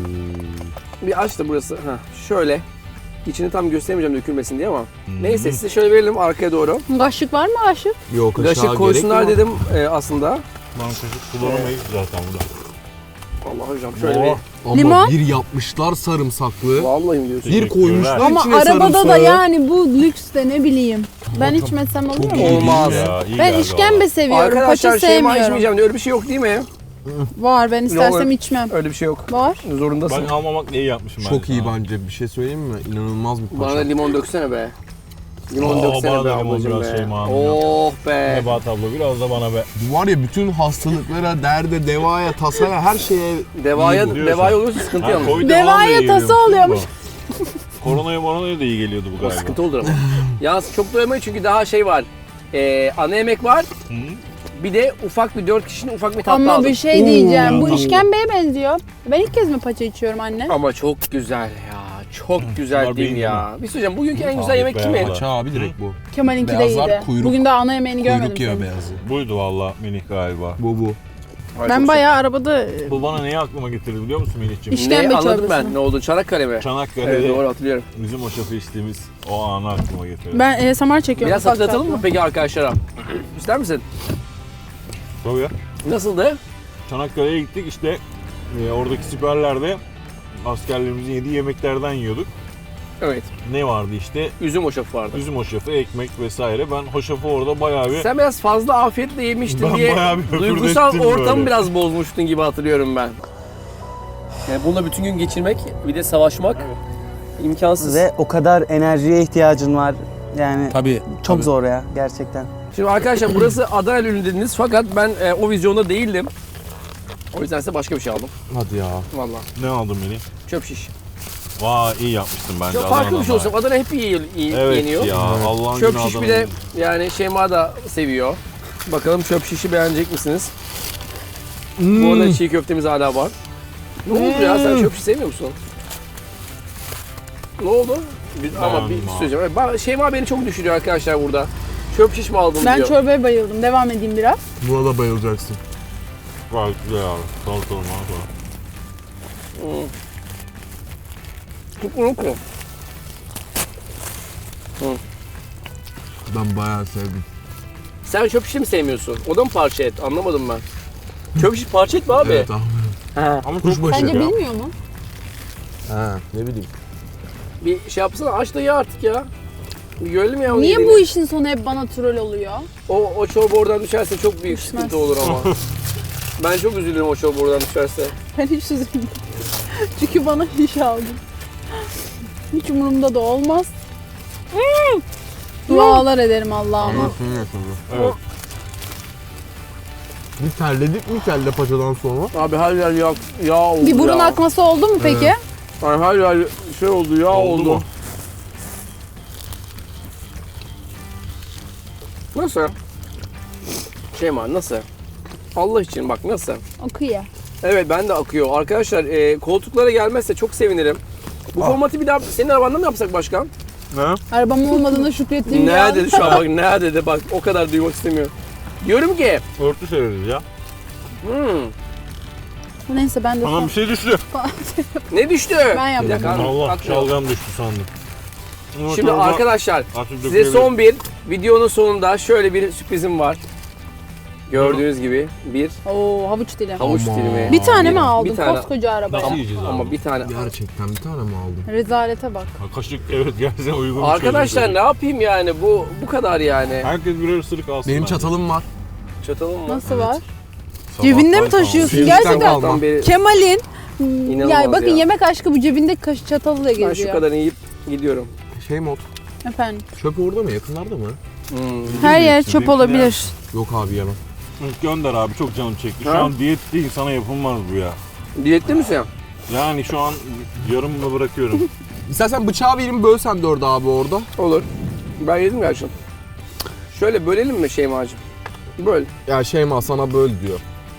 Speaker 2: Bir aç da burası. Heh, şöyle. İçini tam gösteremeyeceğim dökülmesin diye ama. Neyse size şöyle verelim arkaya doğru.
Speaker 1: Kaşık var mı kaşık?
Speaker 3: Yok aşağı
Speaker 2: Kaşık
Speaker 3: gerek
Speaker 2: koysunlar
Speaker 3: yok.
Speaker 2: dedim aslında.
Speaker 4: Ben kaşık kullanamayız zaten burada.
Speaker 2: Allah hocam şöyle
Speaker 4: Oo.
Speaker 2: bir.
Speaker 3: Ama
Speaker 1: Limon?
Speaker 3: bir yapmışlar sarımsaklı.
Speaker 2: Vallahi mi diyorsun?
Speaker 3: Bir
Speaker 4: Teşekkürler.
Speaker 3: koymuşlar
Speaker 1: Ama
Speaker 3: içine
Speaker 1: arabada da
Speaker 3: sarımsağı.
Speaker 1: yani bu lüks de ne bileyim. Ben içmesem olur
Speaker 3: çok
Speaker 1: mu?
Speaker 3: iyi.
Speaker 2: Olmaz.
Speaker 4: Ya, iyi
Speaker 1: Ben
Speaker 4: geldi
Speaker 1: işkembe
Speaker 4: valla.
Speaker 1: seviyorum.
Speaker 2: Arkadaşlar
Speaker 1: Paça
Speaker 2: Şeyma
Speaker 1: sevmiyorum.
Speaker 2: içmeyeceğim diye öyle bir şey yok değil mi?
Speaker 1: Var ben istersem
Speaker 2: Yok.
Speaker 1: içmem.
Speaker 2: Öyle bir şey yok.
Speaker 1: Var.
Speaker 2: Zorundasın.
Speaker 4: Ben almamak neyi yapmışım ben?
Speaker 3: Çok iyi
Speaker 4: sana?
Speaker 3: bence. Bir şey söyleyeyim mi? İnanılmaz bir
Speaker 2: Bana da
Speaker 3: paça.
Speaker 2: limon döksene be. Limon
Speaker 4: Oo,
Speaker 2: döksene
Speaker 4: bana
Speaker 2: be
Speaker 4: da limon
Speaker 2: ablacığım
Speaker 4: biraz
Speaker 2: be.
Speaker 4: Şeyma Hanım ya.
Speaker 2: Oh be.
Speaker 4: Nebahat abla biraz da bana be.
Speaker 3: Var ya bütün hastalıklara, derde, devaya, tasaya her şeye
Speaker 2: Devaya,
Speaker 4: diyorsun.
Speaker 2: devaya olursa sıkıntı
Speaker 4: Ha,
Speaker 2: yalnız.
Speaker 4: Covid'e falan da
Speaker 1: Devaya
Speaker 4: iyi
Speaker 1: tası
Speaker 4: geliyormuş
Speaker 1: oluyormuş.
Speaker 4: bu. Koronaya da iyi geliyordu bu galiba.
Speaker 2: Sıkıntı olur ama. Yalnız çok doyamayız çünkü daha şey var. Ana yemek var.
Speaker 4: Hı?
Speaker 2: Bir de ufak bir 4 kişinin ufak bir tatlı
Speaker 1: Ama
Speaker 2: aldım.
Speaker 1: bir şey diyeceğim. Bu
Speaker 4: Oo.
Speaker 1: işkembeye benziyor. Ben ilk kez mi paça içiyorum anne?
Speaker 2: Ama çok güzel ya. Çok güzel
Speaker 4: bunlar
Speaker 2: değil mi
Speaker 4: benim
Speaker 2: ya? Bir söyleyeceğim. Bugünkü en güzel
Speaker 4: Abi,
Speaker 2: yemek kimin?
Speaker 4: beyazlar.
Speaker 3: paça abi direkt bu.
Speaker 1: Kemal'inki de
Speaker 3: Beyazlar
Speaker 1: iyiydi.
Speaker 3: kuyruk.
Speaker 1: Bugün daha ana yemeğini görmedim
Speaker 3: Kuyruk yağı
Speaker 1: senin.
Speaker 3: beyazı.
Speaker 4: Buydu valla Melih galiba.
Speaker 3: Bu.
Speaker 2: Ay,
Speaker 1: Ben
Speaker 2: çok
Speaker 1: bayağı arabada
Speaker 4: Bu bana neyi aklıma getirdi biliyor musun Melih'ciğim?
Speaker 1: İş-
Speaker 2: Ne
Speaker 1: İşkembe
Speaker 2: anladım
Speaker 1: çorbası.
Speaker 2: ben. Ne oldu? Çanakkale mi?
Speaker 4: Çanakkale'de
Speaker 2: Evet doğru hatırlıyorum.
Speaker 4: bizim o şafı içtiğimiz o anı aklıma getirdi.
Speaker 1: ben ASMR çekiyorum.
Speaker 2: Biraz
Speaker 1: ufak
Speaker 2: hatırlatalım mı
Speaker 1: tatlı.
Speaker 2: peki arkadaşlara? İster misin?
Speaker 4: Tabii ya.
Speaker 2: Nasıldı?
Speaker 4: Çanakkale'ye gittik işte oradaki siperlerde askerlerimizin yediği yemeklerden yiyorduk.
Speaker 2: Evet.
Speaker 4: Ne vardı işte?
Speaker 2: Üzüm hoşafı vardı.
Speaker 4: Üzüm hoşafı, ekmek vesaire. Ben hoşafı orada bayağı bir...
Speaker 2: Sen biraz fazla afiyetle yemiştin
Speaker 4: Ben
Speaker 2: diye
Speaker 4: bayağı bir höpürdettim
Speaker 2: duygusal ortamı
Speaker 4: böyle.
Speaker 2: biraz bozmuştun gibi hatırlıyorum ben. Yani bununla bütün gün geçirmek, bir de savaşmak imkansız.
Speaker 6: Ve o kadar enerjiye ihtiyacın var. Yani
Speaker 3: Tabii.
Speaker 6: çok zor ya gerçekten.
Speaker 2: Şimdi arkadaşlar burası Adana ürünü dediniz fakat ben o vizyonda değildim. O yüzden size başka bir şey aldım.
Speaker 3: Hadi ya.
Speaker 2: Vallahi.
Speaker 4: Ne aldın Melih?
Speaker 2: Çöp şiş.
Speaker 4: Vay iyi yapmıştın bence.
Speaker 2: Çok farklı bir şey
Speaker 4: Adana'dan
Speaker 2: olsun. Adana hep iyi
Speaker 4: Evet
Speaker 2: yeniyor.
Speaker 4: ya Allah'ın
Speaker 2: Çöp
Speaker 4: günü
Speaker 2: şiş bir de
Speaker 4: Adana'nın.
Speaker 2: yani Şeyma da seviyor. Bakalım çöp şişi beğenecek misiniz? Bu arada çiğ köftemiz hala var. Ne oldu ya sen çöp şiş sevmiyor musun? Ne oldu? Ama bir
Speaker 4: Beğendim abi.
Speaker 2: söyleyeceğim. Şeyma beni çok düşürüyor arkadaşlar burada. Çöp şiş mi aldın
Speaker 1: Ben
Speaker 2: diyor.
Speaker 1: çorbaya bayıldım. Devam edeyim biraz.
Speaker 3: Buna da bayılacaksın.
Speaker 4: Gayet güzel abi. Salatalı malatalı.
Speaker 2: Unutma.
Speaker 3: Ben bayağı sevdim.
Speaker 2: Sen çöp şişi mi sevmiyorsun? O da mı parça et? Anlamadım ben. Çöp şiş parça et mi abi?
Speaker 3: Evet abi.
Speaker 2: Ha.
Speaker 4: Ama
Speaker 3: Kuşbaşı.
Speaker 4: çok
Speaker 1: Bence
Speaker 4: basit ya.
Speaker 1: bilmiyor mu?
Speaker 3: Ha, ne bileyim.
Speaker 2: Bir şey yapsana aç da ye artık ya. Bir görelim ya onu
Speaker 1: Niye
Speaker 2: yediğini.
Speaker 1: bu işin sonu hep bana troll oluyor?
Speaker 2: O çorba oradan düşerse çok büyük
Speaker 1: Düşmez.
Speaker 2: sıkıntı olur ama. Ben çok üzülürüm o çorba oradan düşerse.
Speaker 1: Ben hiç üzülmedim. Çünkü bana iş aldın. Hiç umurumda da olmaz. Dualar ederim Allah'ıma.
Speaker 4: Evet.
Speaker 3: Bir terledik mi kelle paçadan sonra?
Speaker 2: Abi her yer yağ oldu
Speaker 1: Bir burun
Speaker 2: ya.
Speaker 1: akması oldu mu peki?
Speaker 2: Yani her yer şey oldu yağ oldu.
Speaker 4: mu?
Speaker 2: Nasıl? Şeyma nasıl? Allah için bak nasıl?
Speaker 1: Akıyor.
Speaker 2: Evet ben de akıyor. Arkadaşlar koltuklara gelmezse çok sevinirim. Bu formatı bir daha senin arabanda mı yapsak başkan?
Speaker 4: Ne?
Speaker 1: Arabam olmadığında şükrettiğim bir
Speaker 2: Ne
Speaker 1: an.
Speaker 2: dedi şu an bak ne dedi bak o kadar duymak istemiyor. Diyorum ki
Speaker 4: Örtü sereriz ya.
Speaker 1: Neyse ben de
Speaker 4: Bana
Speaker 1: son.
Speaker 4: bir şey düştü.
Speaker 2: ne düştü?
Speaker 1: Ben yaptım.
Speaker 2: Bir dakika,
Speaker 4: Allah
Speaker 2: atmıyor.
Speaker 4: şalgam düştü sandım. Ama
Speaker 2: Şimdi
Speaker 4: çorba
Speaker 2: arkadaşlar
Speaker 4: artık
Speaker 2: size
Speaker 4: dökülebilir.
Speaker 2: son bir videonun sonunda şöyle bir sürprizim var. Gördüğünüz gibi bir
Speaker 1: Oo, havuç dilim.
Speaker 2: havuç dilimi.
Speaker 1: Bir tane mi aldın
Speaker 2: Bir tane.
Speaker 1: koskoca arabaya?
Speaker 5: Nasıl yiyeceğiz abi?
Speaker 2: Ama bir tane.
Speaker 3: Gerçekten bir tane mi aldın?
Speaker 1: Rezalete bak.
Speaker 5: Ha, kaşık evet gerçekten uygun bir
Speaker 2: Arkadaşlar
Speaker 5: çözüm.
Speaker 2: ne yapayım yani bu kadar yani.
Speaker 5: Herkes birer ısırık alsın.
Speaker 3: Benim
Speaker 5: bence.
Speaker 3: çatalım var.
Speaker 2: Çatalım mı?
Speaker 1: Nasıl var?
Speaker 5: Sabahtan
Speaker 1: Cebinde mi
Speaker 5: kalmış.
Speaker 1: taşıyorsun?
Speaker 3: Yüzden
Speaker 1: Gerçekten.
Speaker 3: kalma.
Speaker 2: Sabahtan beri
Speaker 1: Kemal'in
Speaker 2: İnanılmaz
Speaker 1: yani bakın
Speaker 2: ya.
Speaker 1: yemek aşkı bu cebinde çatalı da
Speaker 2: ben şu
Speaker 1: geziyor.
Speaker 2: kadarını yiyip gidiyorum.
Speaker 3: Şey mod.
Speaker 1: Efendim.
Speaker 3: Çöp orada mı? Yakınlarda mı?
Speaker 1: Her yer
Speaker 5: Benimki
Speaker 1: çöp olabilir.
Speaker 3: Yok abi yemem.
Speaker 5: Gönder abi çok canım çekti. Şu
Speaker 2: Ha?
Speaker 5: an diyet değil sana yapılmaz bu ya.
Speaker 2: Diyetli misin?
Speaker 5: Yani şu an yarımla bırakıyorum.
Speaker 3: İstersen bıçağı vereyim bölsen 4 abi orada.
Speaker 2: Olur. Ben yedim gerçekten. Şöyle bölelim mi Şeyma'cığım? Böl.
Speaker 3: Ya Şeyma sana böl diyor.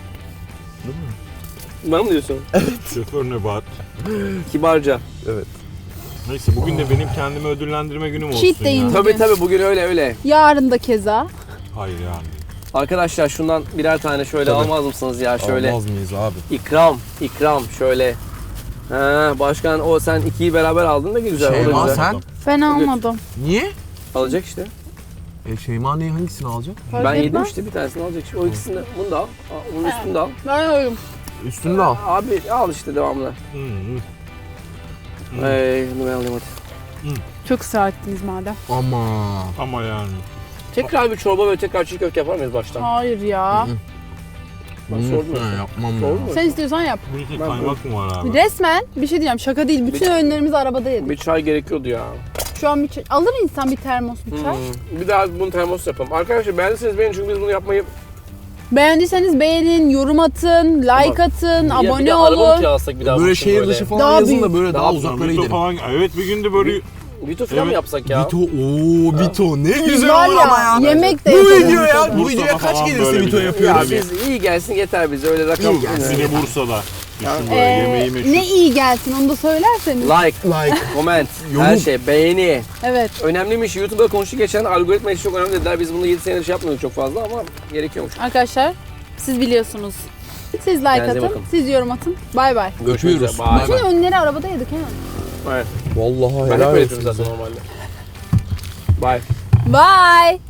Speaker 2: Bana mı diyorsun?
Speaker 5: Şoför Nebahat.
Speaker 2: Kibarca.
Speaker 5: Neyse bugün de benim kendimi ödüllendirme günüm olsun
Speaker 1: Cheat day'in.
Speaker 5: ya.
Speaker 2: Tabii bugün öyle.
Speaker 1: Yarın da keza.
Speaker 5: Hayır yani.
Speaker 2: Arkadaşlar şundan birer tane şöyle
Speaker 3: Tabii.
Speaker 2: almaz mısınız ya şöyle?
Speaker 3: Almaz mıyız abi?
Speaker 2: İkram şöyle. Ha, başkan o sen ikiyi beraber aldın da güzel. O da
Speaker 3: Şeyma
Speaker 2: güzel.
Speaker 3: sen?
Speaker 1: Ben almadım.
Speaker 3: Niye?
Speaker 2: Alacak işte.
Speaker 3: Şeyma ne hangisini alacak?
Speaker 1: Fark
Speaker 2: Ben yedim
Speaker 1: etmez.
Speaker 2: işte bir tanesini alacak. O ikisini bunu da al. Bunun üstünü de al.
Speaker 1: Ben alıyorum.
Speaker 3: Üstünü de al.
Speaker 2: Abi al işte devamlı.
Speaker 5: Hı hı.
Speaker 2: Bunu ben alayım hadi.
Speaker 1: Çok ısrar ettiniz madem.
Speaker 3: Ama.
Speaker 5: Ama yani.
Speaker 2: Tekrar bir çorba ve tekrar çiğ köfte yapar mıyız baştan?
Speaker 1: Hayır ya.
Speaker 2: Ben sordum
Speaker 3: Ben
Speaker 2: ya.
Speaker 3: yapmam
Speaker 2: Sordun
Speaker 3: ya.
Speaker 2: mu?
Speaker 1: Sen istiyorsan yap.
Speaker 5: Bu iki
Speaker 2: Ben-
Speaker 5: kaymak mı var abi?
Speaker 1: Resmen bir şey diyeceğim, şaka değil. Bütün öğünlerimizi arabada yedik.
Speaker 2: Bir çay gerekiyordu ya.
Speaker 1: Şu an bir çay, alır insan bir termos bir çay.
Speaker 2: Bir daha bunu termos yapalım. Arkadaşlar beğendiyseniz beğenin çünkü biz bunu yapmayı...
Speaker 1: Beğendiyseniz beğenin, yorum atın, like atın,
Speaker 2: Ya bir
Speaker 1: abone
Speaker 2: de araba mı
Speaker 1: olun.
Speaker 2: kiralasak bir daha?
Speaker 3: Böyle
Speaker 2: bu için
Speaker 3: şehir dışı falan
Speaker 1: Daha
Speaker 3: yazın
Speaker 1: büyük.
Speaker 3: da böyle daha
Speaker 2: Daha
Speaker 3: uzaklara
Speaker 5: Vito
Speaker 3: gidelim.
Speaker 5: falan. Evet bir günde böyle
Speaker 2: Vito falan mı
Speaker 5: Evet.
Speaker 2: yapsak ya?
Speaker 3: Vito, ooo Vito ne güzel
Speaker 1: Var
Speaker 3: olur ama ya.
Speaker 1: yemek de
Speaker 3: Bu
Speaker 1: yapalım.
Speaker 3: video ya, bu
Speaker 5: Mustafa
Speaker 3: videoya kaç
Speaker 5: falan
Speaker 3: gelirse
Speaker 5: böyle
Speaker 3: Vito
Speaker 5: bir de.
Speaker 2: Ya
Speaker 3: yapıyoruz.
Speaker 2: biz iyi gelsin yeter bize öyle rakam.
Speaker 3: İyi gelsin.
Speaker 5: bir de Bursa'da. Düşün böyle
Speaker 1: Ee,
Speaker 5: yemeği meşhur.
Speaker 1: ne iyi gelsin onu da söylerseniz.
Speaker 2: Like,
Speaker 3: Like.
Speaker 2: comment,
Speaker 3: Yorum.
Speaker 2: her şey, beğeni.
Speaker 1: Evet.
Speaker 2: Önemliymiş. YouTube'da konuştu geçen algoritma işi çok önemli dediler. Biz bunu 7 senedir şey yapmıyorduk çok fazla ama gerekiyormuş.
Speaker 1: Arkadaşlar siz biliyorsunuz. Siz like
Speaker 2: Kendinize
Speaker 1: atın,
Speaker 2: bakın.
Speaker 1: siz yorum atın. Bay bay.
Speaker 2: Görüşmek
Speaker 3: Öpüyoruz.
Speaker 2: üzere. Bye.
Speaker 3: Bay bay.
Speaker 1: Bütün önleri arabada yedik he.
Speaker 2: Evet.
Speaker 3: Vallahi
Speaker 2: Ben hep
Speaker 3: helal
Speaker 2: öyle
Speaker 3: olsun.
Speaker 2: yapıyorum zaten normalde. Bye.
Speaker 1: Bye.